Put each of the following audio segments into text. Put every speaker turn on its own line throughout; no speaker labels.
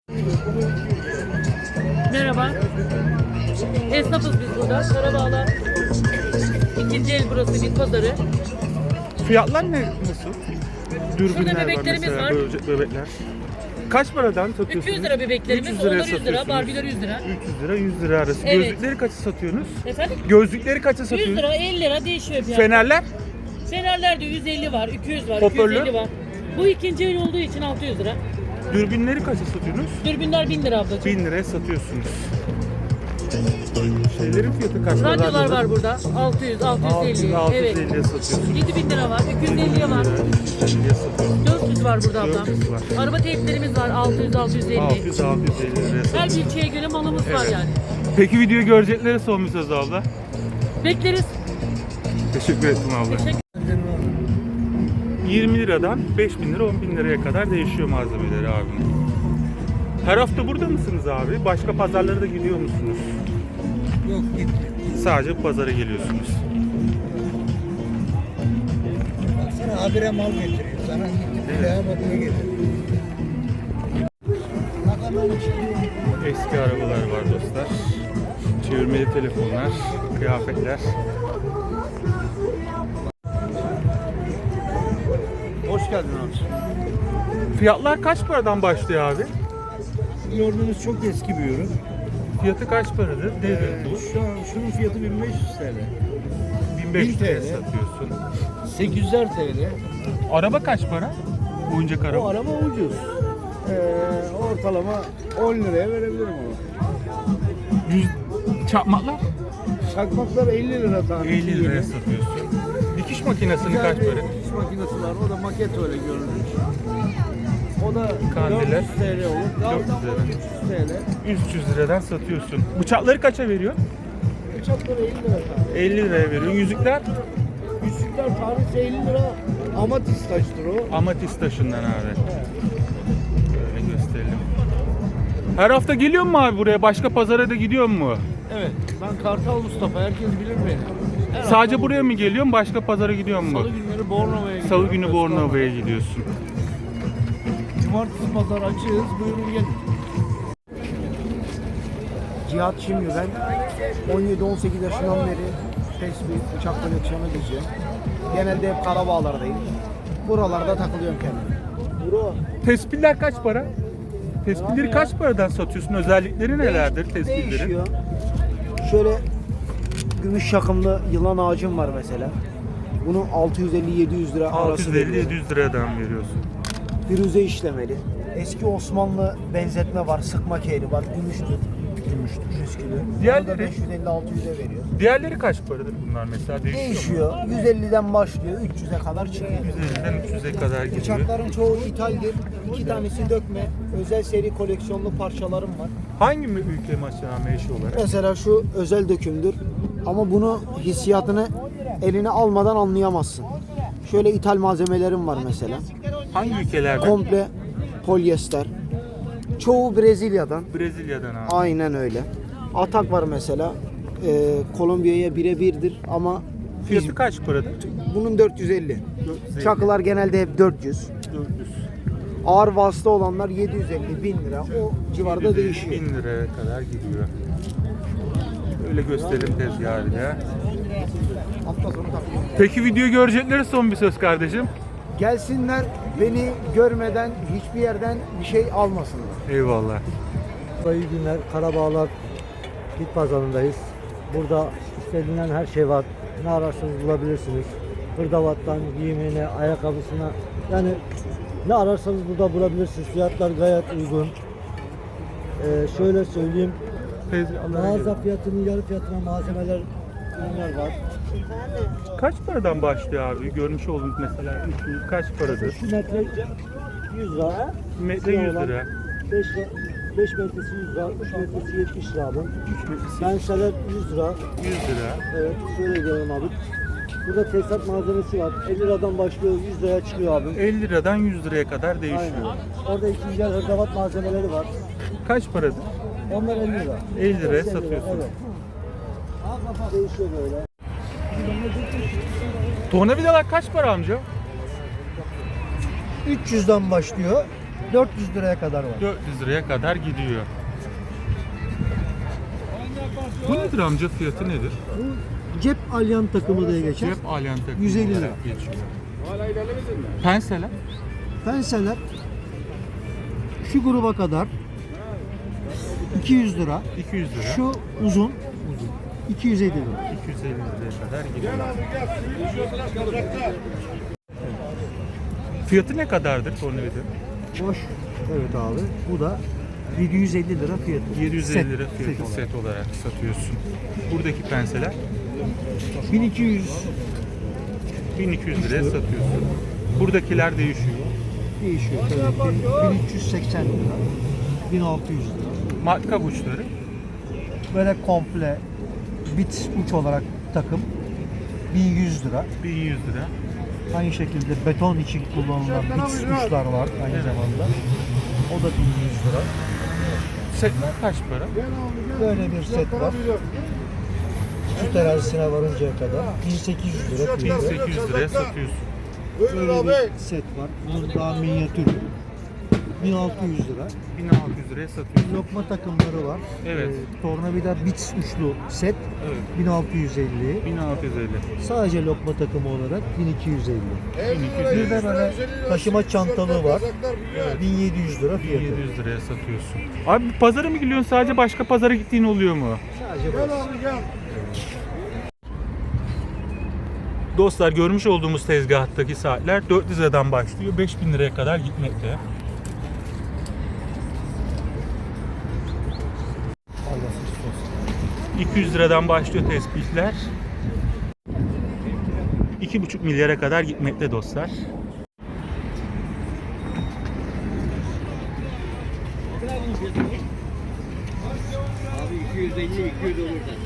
Merhaba. Esnafız biz burada. Karabağlar. İkinci el burası, bit pazarı.
Fiyatlar ne, nasıl? Dürbünler
Şurada bebeklerimiz var.
Bebekler. Kaç paradan satıyorsunuz?
300 lira bebeklerimiz,
300 liraya
onlar 100 lira,
satıyorsunuz.
Barbie'ler 100 lira.
300 lira 100 lira arası.
Evet.
Gözlükleri kaça satıyorsunuz?
Efendim?
Gözlükleri kaça
100
satıyorsunuz?
lira, 50 lira değişiyor fiyat.
Fenerler?
Fenerler de 150 var, 200 var,
Hoparlör?
250 var. Bu ikinci el olduğu için 600 lira.
Dürbünleri kaça satıyorsunuz?
Dürbünler 1000 lira ablacığım.
1000 liraya satıyorsunuz. Şeylerin fiyatı kaç?
Radyolar var burada. 600, 650.
650'ye
Evet.
satıyorsunuz.
7000 lira var, 250'ye var.
350'ye satıyorsunuz.
400 var burada ablam.
400 var.
Araba teyplerimiz var 600, 650.
600 650 liraya
Her
satıyorsunuz.
ilçeye göre malımız var
Evet.
yani.
Peki videoyu göreceklere son bir söz abla.
Bekleriz.
Teşekkür ettim abla.
Teşekkür
20 liradan 5000 lira 10 bin liraya kadar değişiyor malzemeleri abi. Her hafta burada mısınız abi? Başka pazarlara da gidiyor musunuz?
Yok gitti.
Sadece bu pazara geliyorsunuz.
Baksana habire mal getiriyor. Sana gitti bir daha bakıya getiriyor. Bakalım çıkıyor.
Eski arabalar var dostlar. Çevirmeli telefonlar, kıyafetler.
Hoş geldin abi.
Fiyatlar kaç paradan başlıyor abi?
Gördüğünüz çok eski bir ürün.
Fiyatı kaç paradır? Nedir bu?
Şunun fiyatı 1500 TL.
1500 liraya
1000 TL.
satıyorsun.
800'er TL.
Araba kaç para? Oyuncak
O
araba.
araba ucuz. Ortalama 10 liraya verebilirim onu.
100 çakmaklar
Çakmaklar 50 lira tanesi.
50 liraya satıyorsun. Dikiş makinesini kaç para?
Dikiş makinesi var. O da maket öyle görünür. O da
Kandiller.
400 TL olur.
400
Daldan
lira.
300 TL.
300 liradan satıyorsun. Bıçakları kaça veriyor?
Bıçakları 50 lira tanesi.
50 liraya veriyor. Yüzükler
Yüzükler tanesi 50 lira. Amatist taştır o.
amatist taşından abi. Böyle gösterelim. Her hafta geliyor mu abi buraya? Başka pazara da gidiyor mu?
Evet. Ben Kartal Mustafa. Herkes bilir beni. Her
Sadece
hafta
buraya mı geliyorsun? Başka pazara gidiyor mu?
Salı günleri Bornova'ya gidiyorum.
Salı günü Bornova'ya gidiyorsun.
Cumartesi pazar açığız. Buyurun gelin.
Cihat şimdi ben 17-18 yaşından beri tespih, bıçak koleksiyonu geziyorum. Genelde hep Karabağlar'dayım. Buralarda takılıyorum kendime. Bro,
Tespihler kaç para? Tespihleri kaç paradan satıyorsun? Özellikleri nelerdir tespihlerin?
değişiyor. Şöyle gümüş çakımlı yılan ağacım var mesela. Bunu 650-700 lira arası veriyorum.
650-700 liradan veriyorsun.
Firuze işlemeli. Eski Osmanlı benzetme var, sıkma kehri var, gümüştür. Gümüştür. Püskülü.
Diğerleri?
550-600'e veriyor.
Diğerleri kaç paradır bunlar mesela? Değişiyor mu?
Değişiyor. 150'den başlıyor, 300'e kadar çıkıyor.
150'den 300'e kadar gidiyor.
Bıçakların çoğu ithaldir. 2 tanesi dökme. Özel seri koleksiyonlu parçalarım var.
Hangi ülke mesela meşhur olarak?
Mesela şu özel dökümdür. Ama bunu hissiyatını eline almadan anlayamazsın. Şöyle ithal malzemelerim var mesela.
Hangi ülkelerden?
Komple polyester. Çoğu Brezilya'dan.
Brezilya'dan abi.
Aynen öyle. Atak var mesela. Kolombiya'ya birebirdir ama
Fiyatı kaç paradır?
bunun 450.
450.
Çakılar genelde hep 400.
400.
Ağır vasıta olanlar 750, 1000 lira. O civarda değişiyor.
1000 liraya kadar gidiyor. Öyle gösterelim tezgahı bir de.
Hafta sonu takıyorum.
Peki video göreceklere son bir söz kardeşim.
Gelsinler, beni görmeden hiçbir yerden bir şey almasınlar.
Eyvallah.
İyi günler. Karabağlar Bit Pazarı'ndayız. Burada istenilen her şey var. Ne ararsanız bulabilirsiniz. Hırdavattan giyimine, ayakkabısına, yani ne ararsanız burada bulabilirsiniz. Fiyatlar gayet uygun. Şöyle söyleyeyim. Mağaza fiyatının yarı fiyatına malzemeler, ürünler var.
Kaç paradan başlıyor abi? Görmüş olduğunuz mesela 300 kaç paradır?
Şu metre 100 lira.
Metre 100 lira.
5 metresi 100 lira. 3 metresi 70 lira abi.
3 metresi
Penseler 100 lira.
100 lira.
Evet, şöyle gelelim abi. Burada tesisat malzemesi var. 50 liradan başlıyor, 100 liraya çıkıyor abi.
50 liradan 100 liraya kadar değişiyor.
Aynen. Orada ikinci el hırdavat malzemeleri var.
Kaç paradır?
Onlar 50 lira.
50 liraya
80 lira,
satıyorsun.
Evet. Değişiyor böyle.
Tornavidalar kaç para amca?
300'den başlıyor.
400 liraya kadar var.
400 liraya kadar gidiyor. Bu nedir amca, fiyatı nedir?
Bu cep alyan takımı diye geçer.
Cep alyan takımı
150 lira.
olarak geçiyor. Penseler
Penseler şu gruba kadar 200 lira.
200 lira.
Şu uzun 250 lira.
250 liraya kadar gidiyor. Fiyatı ne kadardır tornavida?
Boş. Evet abi. Bu da 750 lira fiyatı.
750 lira fiyatı
olarak.
set olarak satıyorsun. Buradaki penseler
1200
1200 liraya satıyorsun. Buradakiler değişiyor.
değişiyor tabii ki. 1380 lira. 1600 lira.
Matkap uçları
Böyle komple bit uç olarak takım 1100 lira.
1100 lira.
Aynı şekilde beton için kullanılan bit uçlar var aynı zamanda. O da 1100 lira.
Setler kaç para?
Böyle bir set var. Su terazisine varıncaya kadar 1800 lira fiyatı.
1800 liraya satıyorsun.
Böyle bir set var. Bunun daha minyatürü. 1600 lira.
1600 liraya satıyorsun.
Lokma takımları var.
Evet.
Tornavida bit uçlu set
Evet.
1650.
1650.
Sadece lokma takımı olarak 1250.
1200
Bir de böyle taşıma çantalığı var. 1700 lira fiyatı.
1700 liraya satıyorsun. Abi pazara mı gidiyorsun, sadece başka pazara gittiğin oluyor mu?
Sadece bu.
Dostlar, görmüş olduğumuz tezgahtaki saatler 400 liradan başlıyor, 5000 liraya kadar gitmekte. ...200 liradan başlıyor tespihler. 2,5 milyara kadar gitmekte dostlar.
Abi 250 200 olur da.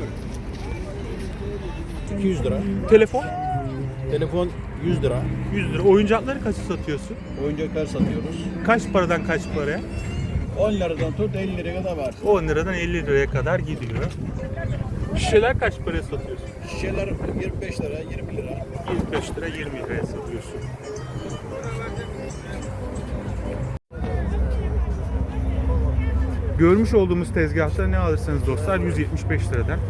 200 lira.
Telefon
Telefon 100 lira.
100 lira. Oyuncakları kaça satıyorsun?
Oyuncaklar satıyoruz.
Kaç paradan kaç paraya?
10 liradan tut 50 liraya kadar var.
10 liradan 50 liraya kadar gidiyor. Şişeler kaç paraya satıyorsun?
Şişeler 25 lira, 20 lira.
25 lira 20 liraya satıyorsun. Görmüş olduğumuz tezgahta ne alırsanız dostlar 175 liradan.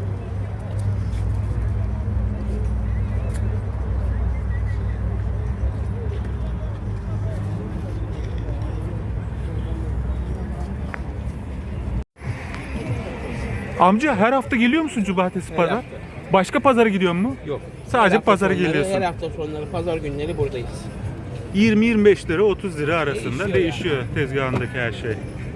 Amca her hafta geliyor musun cumartesi pazar?
hafta.
Başka pazara gidiyor mu?
Yok.
Sadece
Her hafta
pazara
sonları,
geliyorsun.
Her hafta sonları pazar günleri buradayız.
20-25 lira 30 lira arasında
Değişiyor
değişiyor tezgahındaki her şey.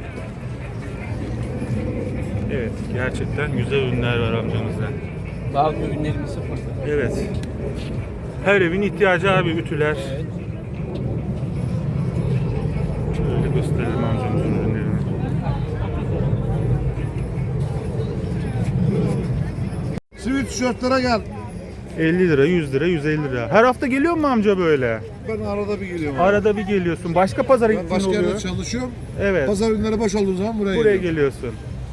Evet, gerçekten güzel ürünler var amcamızda.
Bazı ürünlerimiz sıfırda.
Evet. Her evin ihtiyacı abi, ütüler.
Evet.
Şöyle gösterelim amcamızın ürünlerini.
Sivil tişörtlere gel.
50 lira, 100 lira, 150 lira. Her hafta geliyor mu amca böyle?
Ben arada bir geliyorum. abi.
Arada bir geliyorsun. Başka pazara
Ben
gittiğin
başka
oluyor.
yerde çalışıyorum.
Evet.
Pazar günleri boş olduğu zaman buraya
Buraya
geliyorum.
geliyorsun.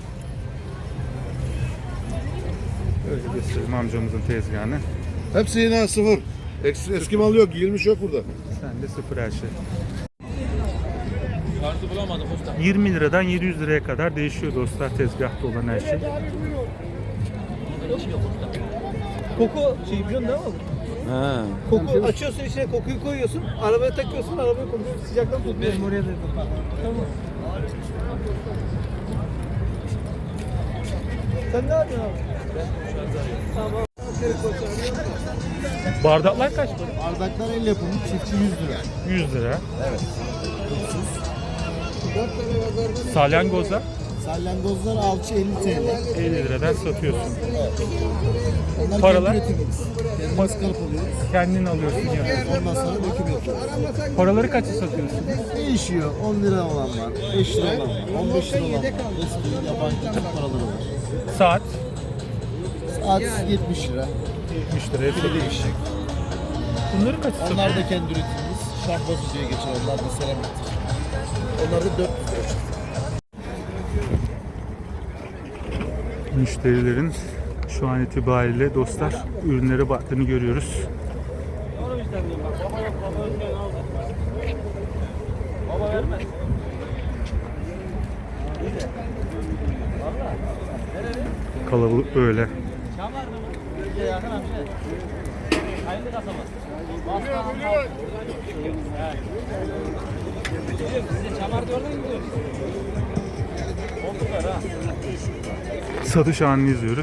Öyle göstereyim amcamızın tezgahını.
Hepsi yine sıfır. Eski mal yok, giyilmiş yok burada.
Sen de sıfır her şey. 20 liradan 700 liraya kadar değişiyor dostlar tezgahta olan her şey.
Koku şey biliyorsun değil mi?
Ha.
Koku açıyorsun içine kokuyu koyuyorsun, arabaya takıyorsun, arabaya kokuyu sıcaktan tutmuyor. Benim oraya da tamam. Sen ne yapıyorsun abi? Tamam.
Bardaklar kaç para?
Bardaklar el yapımı çiftçi 100 lira.
100 lira. Salyangozlar
Salyangozlar alçı 50 TL.
50 liradan satıyorsun.
Onlar
Paralar?
kendi üretimimiz. Kendimiz kalıp alıyoruz.
Kendin alıyorsun ya.
Ondan sonra döküm yapıyoruz.
Paraları kaça satıyorsun?
Değişiyor. 10 lira olan var, 5 lira olan var, 15 lira olan var. Eski yabancı Türk paraları var.
Saat
Saat 70 lira.
70 liraya satıyorsun. Bunları kaça satıyorsun?
Onlar da kendi üretimimiz. Şahbaz diye geçer. Onlar da seramik. Onlar da 400 lira.
Müşterilerin şu an itibariyle dostlar ürünlere baktığını görüyoruz. Kalabalık böyle. Satış anını izliyoruz.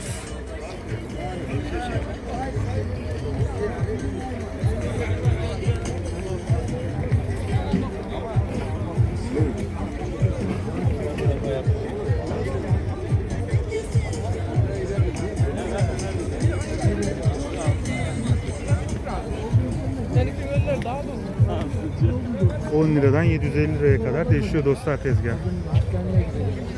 Seninki böyle daha mı?
10 liradan 750 liraya kadar değişiyor dostlar tezgah.